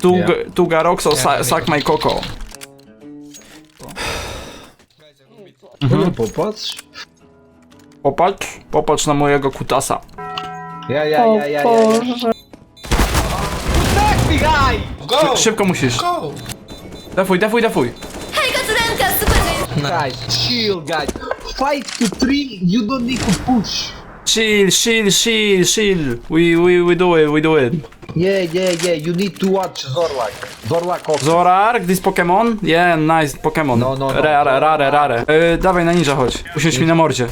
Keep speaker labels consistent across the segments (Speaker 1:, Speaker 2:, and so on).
Speaker 1: Tuga Roxo, suck my coco.
Speaker 2: No popatrz.
Speaker 1: Popatrz na mojego kutasa.
Speaker 2: Ja.
Speaker 3: Boże.
Speaker 4: Go!
Speaker 1: Szybko musisz.
Speaker 4: Go!
Speaker 1: Defuj.
Speaker 2: Guys, chill, guys. 5 to 3, you don't need to push.
Speaker 1: Chill. We do it.
Speaker 2: Yeah. You need to watch Zorlak. Zorlak also.
Speaker 1: Zorark, this Pokemon? Yeah, nice Pokemon.
Speaker 2: No.
Speaker 1: Rare. Dawaj na ninja chodź. Usiądź mi na mordzie.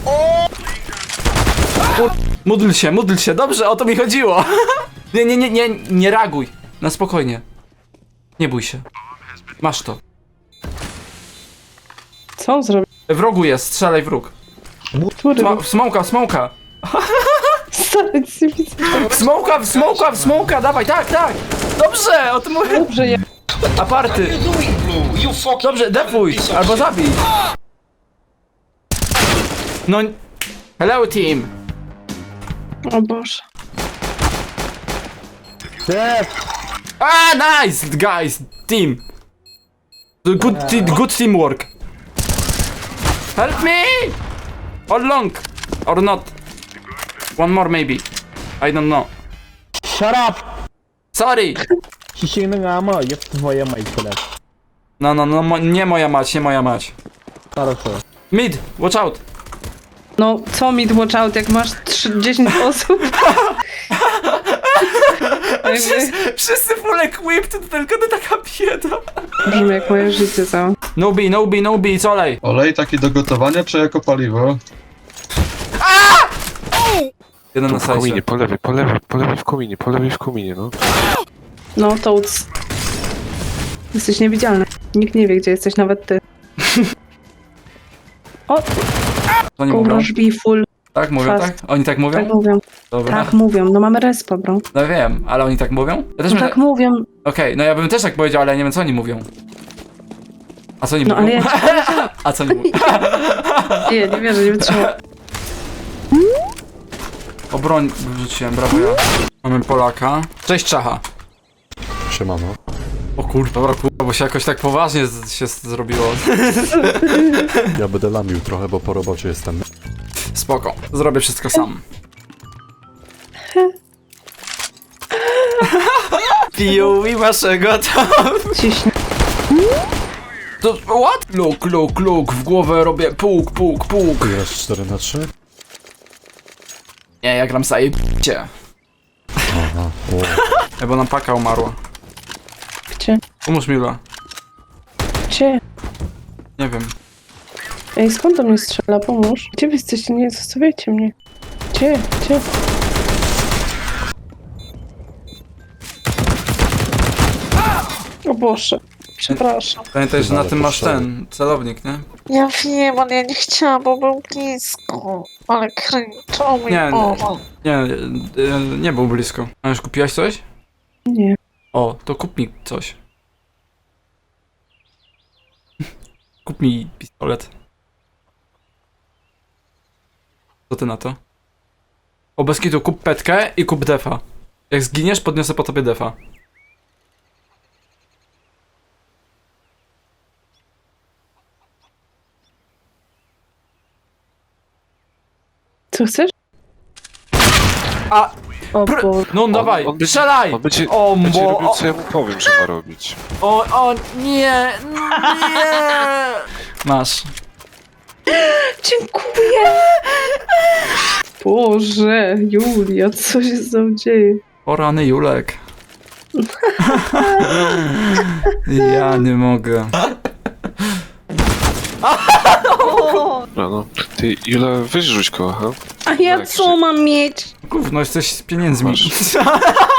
Speaker 1: Módl się, dobrze, o to mi chodziło. Nie reaguj. Na spokojnie. Nie bój się. Masz to.
Speaker 3: Co on zrobił?
Speaker 1: W rogu jest, strzelaj w róg.
Speaker 3: Który?
Speaker 1: Smoka.
Speaker 3: Stary, nic nie widzę.
Speaker 1: W smoka, dawaj, tak. Dobrze, o tym mówię.
Speaker 3: Dobrze, ja...
Speaker 1: Aparty.
Speaker 4: You doing, Blue? You fucking...
Speaker 1: Dobrze, defuj, albo zabij. No... Hello, team.
Speaker 3: O Boże.
Speaker 1: Nice, guys, team. Good teamwork. Help me! All long, or not. One more maybe. I don't know.
Speaker 5: Shut up!
Speaker 1: Sorry.
Speaker 5: Sising na nga mo, yung twoja mic ulit.
Speaker 1: No, nie moja mać.
Speaker 5: Хорошо.
Speaker 1: Mid, watch out.
Speaker 3: No, co mi watch out, jak masz 10 osób?
Speaker 1: Wszyscy full equipped, to tylko to taka bieda.
Speaker 3: Brzmi jak moje życie całe.
Speaker 1: No B, co olej?
Speaker 6: Olej taki do gotowania czy jako paliwo?
Speaker 1: Jeden na
Speaker 7: W kominie,
Speaker 1: sajcie.
Speaker 7: po lewej w kominie, no.
Speaker 3: No, Toads. Jesteś niewidzialny. Nikt nie wie, gdzie jesteś, nawet ty. O,
Speaker 1: To nie mówią?
Speaker 3: kurwa, be full.
Speaker 1: Tak mówią,
Speaker 3: Fast.
Speaker 1: tak? Oni tak mówią?
Speaker 3: Tak mówią.
Speaker 1: Dobra.
Speaker 3: Tak mówią. No mamy respa, bro.
Speaker 1: No wiem, ale oni tak mówią? Ja też
Speaker 3: No tak mówią.
Speaker 1: Okej, no ja bym też tak powiedział, ale ja nie wiem co oni mówią. A co oni
Speaker 3: No
Speaker 1: mówią?
Speaker 3: ale ja ci powiedziałam.
Speaker 1: A co oni mówią?
Speaker 3: Nie wierzę, nie wytrzymam.
Speaker 1: O broń wrzuciłem, brawo ja. Mamy Polaka. Cześć Czacha.
Speaker 6: Siemano.
Speaker 1: O kurwa, dobra kurwa, bo się jakoś tak poważnie się zrobiło.
Speaker 6: Ja będę lamił trochę, bo po robocie jestem.
Speaker 1: Spoko, zrobię wszystko sam. POV waszego tam.
Speaker 3: Ciśnie.
Speaker 1: To, what? Luk, w głowę robię puk.
Speaker 6: Grasz 4 na 3?
Speaker 1: Nie, ja gram zajebiście.
Speaker 6: Aha.
Speaker 1: Bo nam paka umarła.
Speaker 3: Gdzie?
Speaker 1: Pomóż Mila.
Speaker 3: Gdzie?
Speaker 1: Nie wiem.
Speaker 3: Ej, skąd do mnie strzela? Pomóż. Gdzie wy jesteście? Nie zostawiajcie mnie. Gdzie? O Boże. Przepraszam.
Speaker 1: Pamiętaj, że na
Speaker 6: Ale
Speaker 1: tym masz
Speaker 6: poszedł.
Speaker 1: ten celownik, nie?
Speaker 3: Ja wiem, ale ja nie chciałam, bo był blisko. Ale kręczą mi.
Speaker 1: Nie, nie był blisko. A już kupiłaś coś?
Speaker 3: Nie.
Speaker 1: O, to kup mi coś. Kup mi pistolet. Co ty na to? O, bez kitu, kup petkę i kup defa. Jak zginiesz, podniosę po tobie defa.
Speaker 3: Co chcesz?
Speaker 1: A,
Speaker 3: O Boże.
Speaker 1: no dawaj,
Speaker 7: on będzie-
Speaker 1: strzelaj!
Speaker 7: On będzie
Speaker 1: O,
Speaker 7: robił,
Speaker 1: bo...
Speaker 7: co ja mu powiem, że ma robić.
Speaker 1: O, nie! Masz.
Speaker 3: Dziękuję! Boże, Julia, co się z tą dzieje?
Speaker 1: O rany Julek. Ja nie mogę.
Speaker 7: Dobra, no. Ty, Jula, weź rzuć go, ha?
Speaker 3: A ja
Speaker 7: Tak,
Speaker 3: co mam mieć?
Speaker 1: Gówno, jesteś z pieniędzmi.
Speaker 7: Masz.